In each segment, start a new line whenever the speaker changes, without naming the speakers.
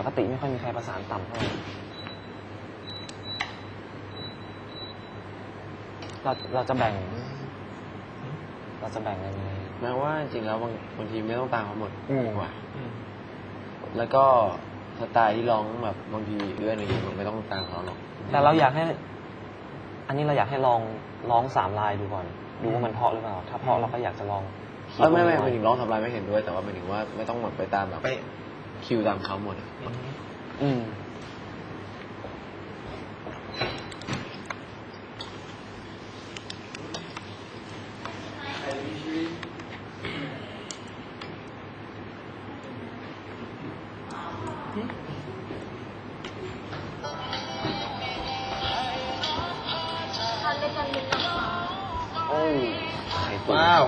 กติไม่ค่อยมีใครประสานต่ำเท่าไหร่เราจะแบ่งยังไง
แม้ว่าจริงๆแล้วบางทีไม่ต้องตามเขาหมดดีกว่าแล้วก็สไตล์ที่ร้องแบบบางทีเอื้อนอะไรอย่างเงี้ยมันไม่ต้องตามเขาหรอก
แต่เราอยากให้อันนี้เราอยากให้ลองร้อง3 ลายดูก่อนดูว่ามันเพราะหรือเปล่าถ้าเพราะเราก็อยากจะลอง
ไม่หมายถึงร้องทำลายไม่เห็นด้วยแต่ว่าหมายถึงว่าไม่ต้องแบบไปตามแบบคิวตามเขาหมด
ทานด้วยกันนิดนะคะ
โอ้ไข่ตุ๋น
ว้าว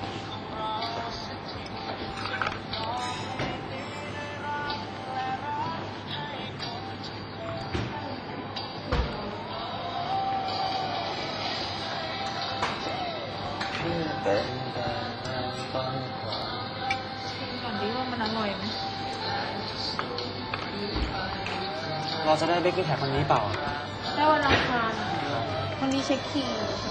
ชิมก่อนดิว่ามันอร่อยไหม
เราจะได้เบกกิ้งแท็กคนนี้เปล่า
ได้วันอังคารวันนี้เช็คคิว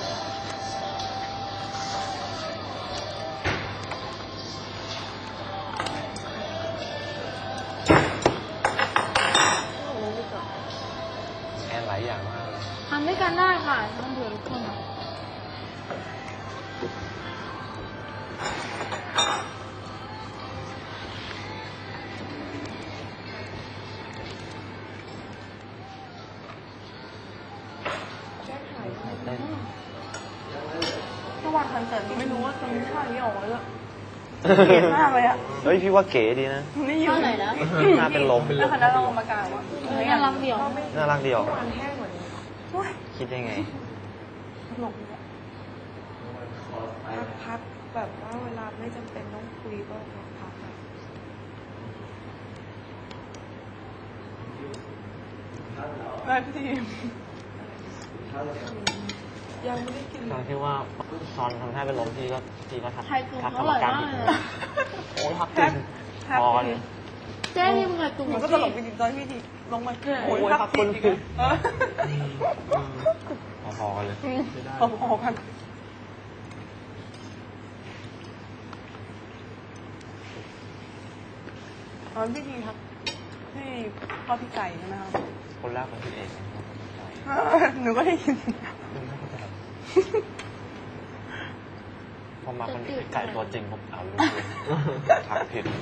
แอนหลายอย่างมากเลย
ทำด้วยกันได้ค่ะต้องเบื่อทุกคนเมื่อวานคอนเสิร์ตไม่รู้ว่าตรงท่านี้ออกมาแล้วเก๋มากเลยอ่ะ
เฮ้ยพี่ว่าเก๋ดีนะ
ไม่อยู่ไหนนะ
น่าเป็นลม
แล้วคณะเรามากล่าวว่าน่ารักเดียว
น่ารักดีออก
มันแห้งกว่านี้
คิดได้ไง
ตลกเลยพักแบบว่าเวลาไม่จำเป็นต้องคุยก็พักแบบพี่ยังไม่ได้กิน
ตอนที่ว่าตอนทำท่าเป็นลมพี่ก็ทัก
ไทยกรุง
ทัก
อก
รรม
ร่อย
การ
มาก
ผิด
เลย
เลยโอ้ทักจริงพอกันเลย
เจ๊ที่มึงไทยกรุง
มันก็ตลกจริงๆตอนพี่ทีลงมาโอ้ย
พักคน
อีก
ผิด
อะ
พอกันเลย
พอๆกันตอนพี่ทีครับพี่พ่อพี่ไก่ใช่ไหมครับ
คนแรกเป็นพี่เอกนะครับ
หนูก็ได้ยิน
พอมาคนนี้ไก่ตัวจริงผมเอาลูกเลยทักผิด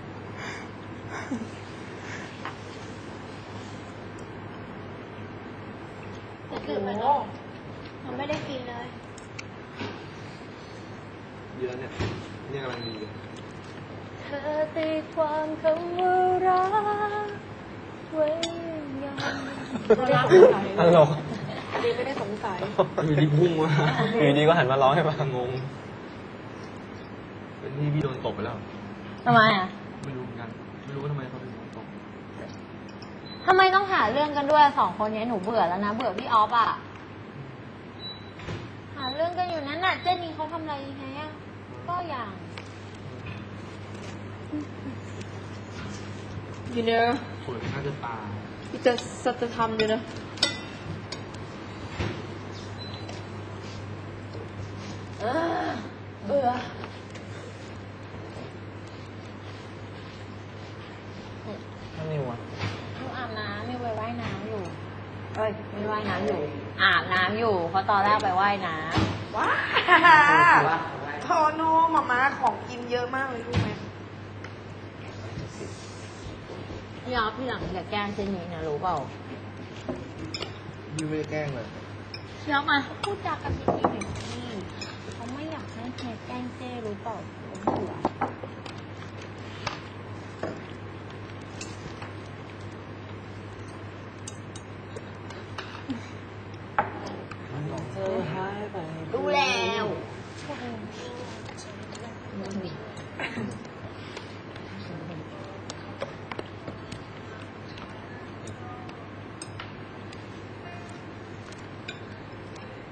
ตื่นไปเนาะมันไม่ได้กินเลย
เยอะเนี่ยนี่กำลังดีเลย
เธอตีความคำว่ารักไว้ยังรักไหน
ตลก
ดีไม่ได้สงสัย
อยู่ดีพุ่งมา
อยู่ดีก็หันมาร้องให้ฟัง
งงเป็นที่พี่โดนตบไปแล้ว
ทำไมอ่ะ
ไม่รู้เหมือนกันไม่รู้ว่าทำไมเขาถึงโดนตบ
ทำไมต้องหาเรื่องกันด้วย2 คนนี้หนูเบื่อแล้วนะ เบื่อพี่ออฟอ่ะ หาเรื่องกันอยู่นั้นน่ะ เจนนี่เขาทำอะไรยังไงอ่ะ ก็อย่างอยู่เนอะ
สวยน่าจะตา
พี่จะสัจธรรมอยู่นะเบื่อ
ถ้านิวอะ
หนูอาบน้ำมีไปว่ายน้ำอยู่
เอ้ย
มีว่ายน้ำอยู่ อาบน้ำอยู่ เพราะตอนแรกไปว่ายน้
ว้าโทโน่มาม่าของกินเยอะมากเลยรู้ไหม
ำพี่ออฟพี่หลังอย่าแกล้งเจนนี่นะรู้เปล่า
พี่ไม่ได้แกล้งเลย
พี่ออฟมาพูดจากันดีๆหน่อยสิเขาไม่อยากให้ใครแกล้งเจ้รู้เปล่าเขาเบื่อ
เธอหายไป
ดูแล้ว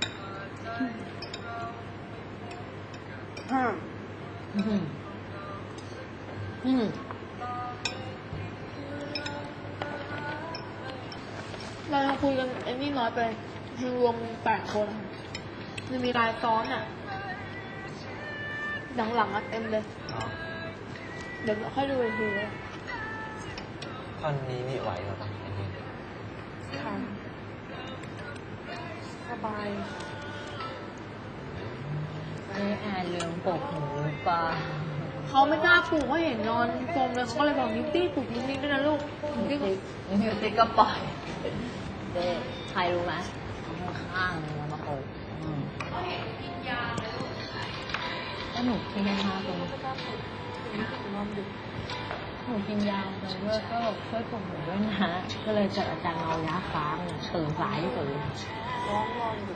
ฮะ
เราคุยกันไอ้นี่น้อยไปคือรวม8 คนอะมันมีรายซ้อนอ่ะหลังๆอ่ะเต็มเลย
อ๋อ
เดี๋ยวค่อยดูอีกทีเลย
ท่อนนี้นี่ไหวเหรอครับอันนี้
ค่ะสบาย
แอนลืมปลุกหนูหรือเปล่า
เขาไม่กล้าปลูกเพราะเห็นนอนสมเลยเขาก็เลยบอกนิ้วตี้ปลูกนิ้วนี้ด้วยนะลูกนิ้วตี้
นิวติก็ปล่อยเด้ใครรู้ไหมข้างๆเลยมาปลุกแล้วหนูกินยาตรงหนูกินยาตรงด้วยก็ช่วยปลุกหนูด้วยนะ ก็เลยเกิดอาการเมายาค้างตื่นสายที่สุดเลย
ร้องนอนอยู่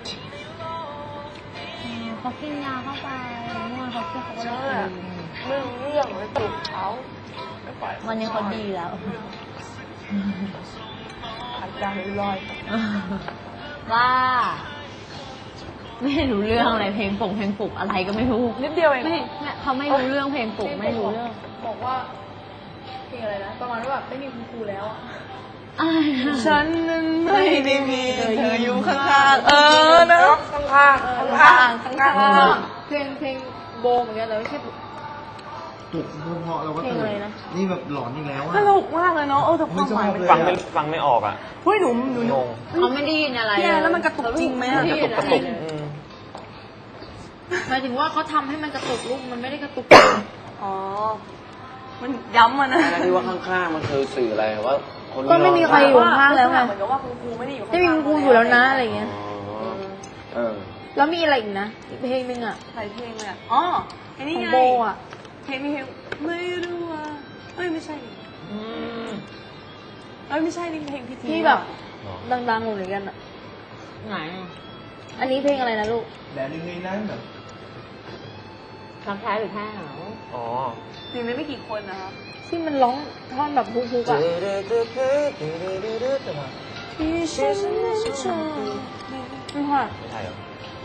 เขากินยาเข้าไปเมื่อวานเขาก็เลยกิน
ไม่รู้เรื่องเลยปลุกเขาไม่ปล่อย
วันนี้เขาดีแล้ว
อาการลอย
ว่า ไม่รู้เรื่องอะไรเพลงปลุกอะไรก็ไม่รู้
นิดเดียวเอง
ไม่เขาไม่รู้เรื่องเพลงปลุกไม่รู้เรื่อง
บอกว่าเพลงอะไรนะประมาณว่าแบบไม่มีคุณครูแล้วอะ
อะไรนะ
ฉันนั้นไม่ได้มีเธออยู่ข้างๆนะข้างๆข้างๆข้างๆ
เพลงโบเหมือนกันแต่ไม่ใช่
ปลุกเพราะเราก็
เพลง
ตื่
อะ
น
ไรนะ
นี่แบบหลอนอีกแล้วอะ
สนุกมากเลยเนาะแต่ความหมายมัน
ฟังไม่ออกอ่ะ
เฮ้ยหนู
งง
เขาไม่ได้ยินอะไร
พี่แอนแล้วมันกระตุกจริงไหมอะ
ไม่ได้ยิน
กระ
อะไร
ตุก
เลย
หมายถึงว่าเขาทำให้มันกระตุกลูกมันไม่ได้กระตุก
อ๋อมันย้ำอะนะ
อะไรที่ว่าข้างๆมันคือสื่ออะไรว่าคน
ก็ไม่มีใครอยู่ข้างแล้วไง
เหมือนกับว่าคุณครูไม่ได้อยู่ข้างๆ
ไม่มีคุณครูอยู่แล้วนะอะไรเงี้ย
อ๋อเออ
แล้วมีอะไรอีกนะอีกเพลงหนึงอ่ะ
หลายเพลงเลยอะอ๋อไอ้นี่
ของ
ไง
โบอ่ะ
เพลงมีเพลงไม่รู้ว่าเอ้ยไม่ใช่ดิ
อืม
เอ้ยไม่ใช่นี่เพลงพิธี
ที่แบบ
อ๋อ
ดังๆเหมือนกันอ่ะ
ไหน
อันนี้เพลงอะไรนะลูก
แดนยังไงนั้นแบบ
รักแท้หรือแท้เหงา
อ๋อ
เพลงนี้ไม่กี่คนนะคะ
ที่มันร้องท่อนแบบฮุกๆอ่ะ
ที่ฉันไม่ชอบ
ไม่ค่ะ
ไม่ใช่เหรอ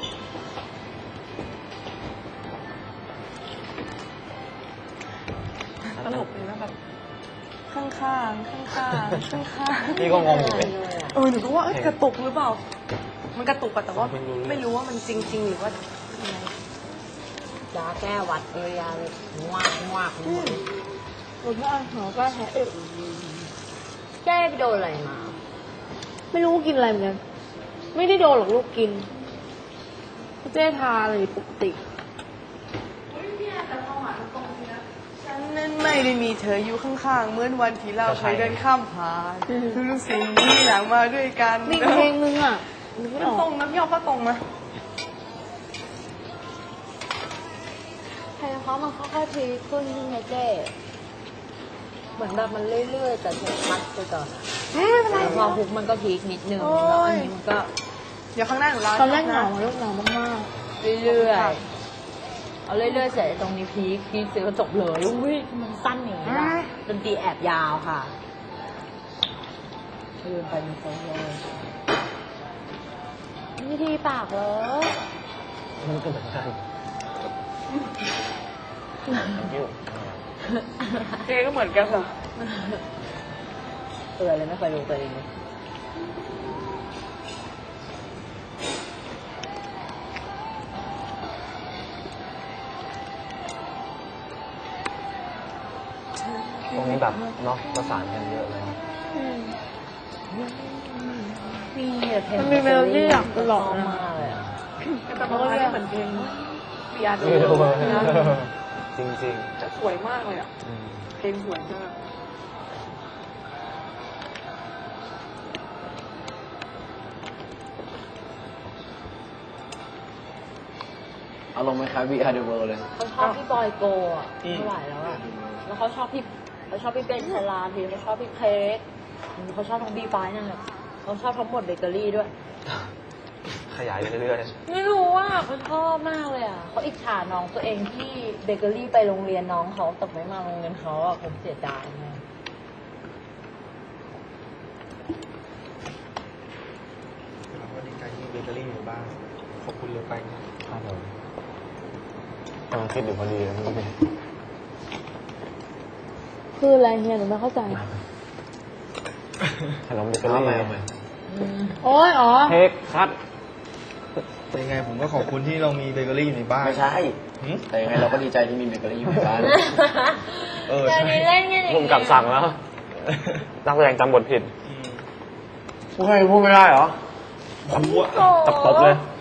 ตลกเลยนะแบบข้างๆข้างๆข้างๆ
พี่ก็งงอยู่เลย
หนูก็ว่าเอ้ยกระตุกหรือเปล่า มันกระตุกอะแต่ว่าไม่รู้ว่ามันจริง ๆ หรือว่ายังไง
ยาแก้หวัดเอยาเลยงวกหมด
หนูก็หนูก็แพ้
แก้ไปโดนอะไรมา
ไม่รู้กินอะไรเหมือนกัน ไม่ได้โดนหรอกลูกกินเจ๊ทาเลยปกติ
ฉันนั้นไม่ได้มีเธออยู่ข้างๆเหมือนวันที่เราเคยเดินข้ามผ่านทุกสิ่งที่อยากมาด้วยกัน
มีอีกเพลงนึงอ่ะนึกไม่
มัน
ออ
ตร
ก
งนะพี่ออฟก็ตรงนะ
เพลงเขามันค่อยๆพีคขึ้นใช่ไหมเจ๊เหมือนแบบมันเรื่อยๆแต่ชัดไปก่อนแล้วพอฮุกมันก็พีคนิดนึงแล้วอันนี้มันก็
เดี๋ยวข้างหน้าหนูเล่า
ตอนแรกเห
นะ
งาลูกเหงามาก
เรื่อยๆเอาเรื่อยๆเสร็จตรงนี้พีคเสร็จก็จบเลยอุ้ยมันสั้นอย่างนี้ล่ะดนตรีแอบยาวค่ะลืมไปมีโซโล่วิธีปากเหรอ
มันก็เหมือนกันยิ้ว
เพลงก็เหมือนกันเหรอ
เตือนเลยไม่เคยดูตัวเองเลย
ตรงนี้แบบเนาะประสานกันเยอะเลย
มีเพลง
มันมีเมโลดี้อยากตลอด
มาก
นะ
เลยอะ
แต่ประมาณนี้เหมือนเพลงปีอาร์
ไม่รู้
นะ
จริง
แต่สวยมากเลยอ่ะ
ๆอืม
เพลงสวยมาก
เอาลงไหมครับ We Are The World เลย
เขาชอบพี่บอยโกอ่ะไม่ไหวแล้วอ่ะแล้วเขาชอบพี่เบนชลาทีเขาชอบพี่เค้กเขาชอบทั้งบีไฟนั่นแหละเขาชอบทั้งหมดเบเกอรี่ด้วย
ขยายไปเรื่อย
ไม่รู้ว่าเขาชอบมากเลยอ่ะเขาอิจฉาน้องตัวเองที่เบเกอรี่ไปโรงเรียนน้องเขาแต่ไม่มาโรงเรียนเขาอ่ะผมเสียดายมาก
เราก็ดีใจที่มีเบเกอรี่อยู่บ้างขอบคุณเลยไปนะ
ๆครับผมกำลังคิดอยู่พอดีเลยเมื่อกี้
คืออะไรเนี่ยหนูไม่เข้าใจ
ขนมเบเกอรี่
เอาใหม่
โอ้ยอ๋อ
เทคคัด
แต่ยังไงผมก็ขอบคุณที่เรามีเบเกอรี่อยู่ในบ้าน
ไม่ใช่
หืม
แต่ยังไงเราก็ดีใจที่มีเบเกอรี่อยู่ในบ้าน
เออ
เดี๋ยว
ใช่
นี้เล่นกันอย่าง
ผมกลับสั่งแล้ว นักแสดงจำบทผิด
อืม
พูดให้พูดไม่ได้เหรอ
ผมว่า
ตบเลย
โ